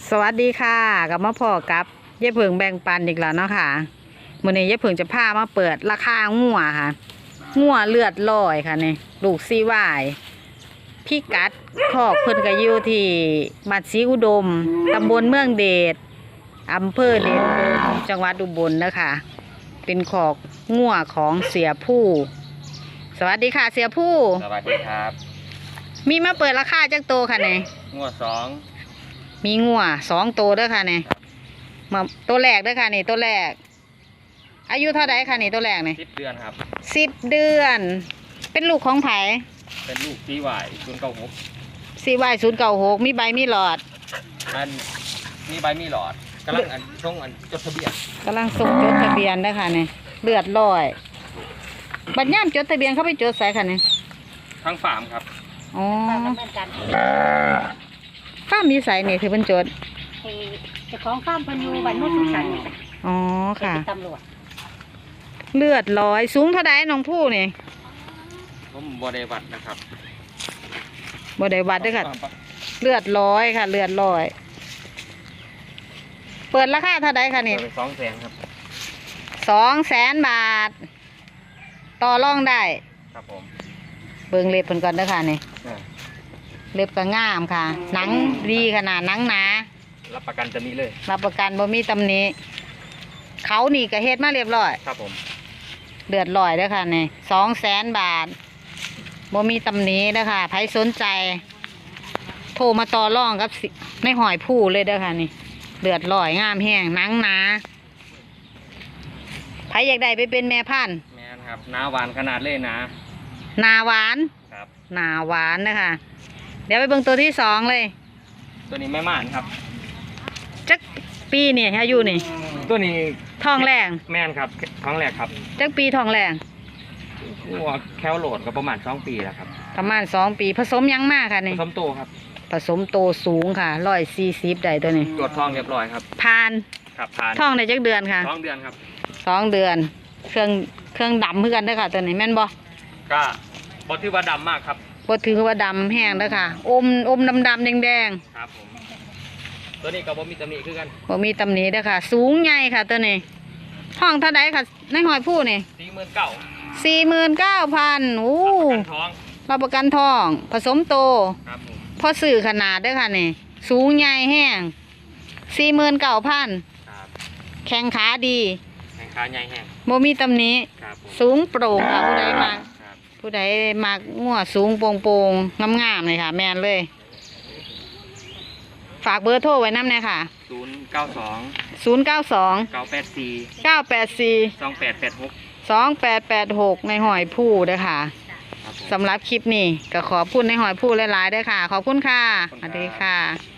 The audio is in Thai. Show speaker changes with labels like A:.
A: สวัสดีค่ะกับมาพ่อกับเย่เพิงแบ่งปันอีกแล้วเนาะค่ะมื้อนี้เย่เพิงจะพามาเปิดราคางัวค่ะงัวเลือดลอยค่ะนี่ลูกซีวายพี่กัดคอกเพิ่นก็อยู่ที่บ้านศรีอุดมตำบลเมืองเดชอำเภอเดชอุดมจังหวัดอุบลนะคะเป็นคอกงัวของเสียผู้สวัสดีค่ะเสียผู้
B: สวัสดีครับ
A: มีมาเปิดราคาจักโตค่ะนี่
B: งัวสอง
A: มีงัว2 ตัวเด้อค่ะนี่มาตัวแรกเด้อค่ะนี่ตัวแรกอายุเท่าไดค่ะนี่ตัวแรกนี่
B: 10 เดือนครับ
A: 10 เดือนเป็นลูกของไผ
B: เป็นลูกCY 096
A: CY 096มีใบมีหลอด
B: มันมีใบมีหลอดกำลังจดทะเบียน
A: ส่งจดทะเบียนเด้อค่ะนี่เลือดลอยบัดย่ามจดทะเบียนเขาไปจดใส่ค่ะนี่
B: ทั้งฟาร์มครับ
A: อ๋อฟาร์มมีใส่นี่คือเพิ่นจด
C: เจ้าของฟาร์มเพิ่นอยู่บ้านโนนสุขสันต์นี่
A: อ๋อค่ะ
C: ตำรวจ
A: เลือดลอยสูงเท่าใดน้องผู้นี่
B: ผมบ่ได้วัดนะครับ
A: บ่ได้วัดเด้อค่ะเลือดลอยค่ะเลือดลอยเปิดราคาเท่าใดค่ะนี่
B: 200,000ครับ
A: 200,000 บาทต่อรองได้
B: ครับผม
A: เบิ่งเล็บเพิ่นก่อนเด้อค่ะนี่เล็บก็งามค่ะหนังดีขนาดหนังหนา
B: รับประกันจะมีเลย
A: รับประกันบ่มีตำหนิเขานี่ก็เฮ็ดมาเรียบร้อย
B: ครับผม
A: เดือดลอยเด้อค่ะนี่200,000 บาทบ่มีตำหนิเด้อค่ะใครสนใจโทรมาต่อรองกับในหอยผู้เลยเด้อค่ะนี่เดือดลอยงามแห้งหนังหนาใครอยากได้ไปเป็นแม่พันธุ์
B: แม่นครับหน้าหวานขนาดเลยนะ
A: หนาหวาน
B: ครับ
A: หนาหวานนะคะเดี๋ยวไปเบิ่งตัวที่2เลย
B: ตัวนี้แม่ม่านครับ
A: จักปีนี่อายุนี่
B: ตัวนี้
A: ท้องแรง
B: แม่นครับท้องแรกครับ
A: จักปีท้องแรง
B: วัวแคลโหลดก็ประมาณ2 ปีแล้วครับ
A: ประมาณ2 ปีผสมยังมากค่ะนี่
B: ผสมโตครับ
A: ผสมโตสูงค่ะ140ได้ตัวนี้
B: ตรวจท้องเรียบร้อยครับ
A: ผ่าน
B: ครับผ่าน
A: ท้องได้จักเดือนค่ะ
B: 2 เดือนครับ
A: 2 เดือนเครื่องดำเพื่อกันเด้อค่ะตัวนี้แม่นบ่
B: ก็บ่ถือว่าดำมากครับ
A: บ่ถือว่าดำแห้งเด้อค่ะอมดำแดง
B: ครับผมตัวนี้ก็บ่มีตำหนิคือกัน
A: บ่มีตำหนิเด้อค่ะสูงใหญ่ค่ะตัวนี้ท้องเท่าใดค่ะในหอยผู้นี่49,000โอ้รับประกันท้องผสมโต
B: ครับผม
A: พอสื่อขนาดเด้อค่ะนี่สูงใหญ่แห้ง49,000
B: ครับ
A: แข้งขาดี
B: แข้งขาใหญ่แห้ง
A: บ่มีตำหนิสูงโปร่งค่ะผู้ใดมักงัวสูงโปร่งๆงามๆเลยค่ะแม่นเลยฝากเบอร์โทรไว้นำแน่ค่ะ092 984 2886ในหอยผู้เด้อค่ะสำหรับคลิปนี้ก็ขอบคุณในหอยผู้หลายๆเด้อค่ะขอบคุณค่ะสวัสดีค่ะ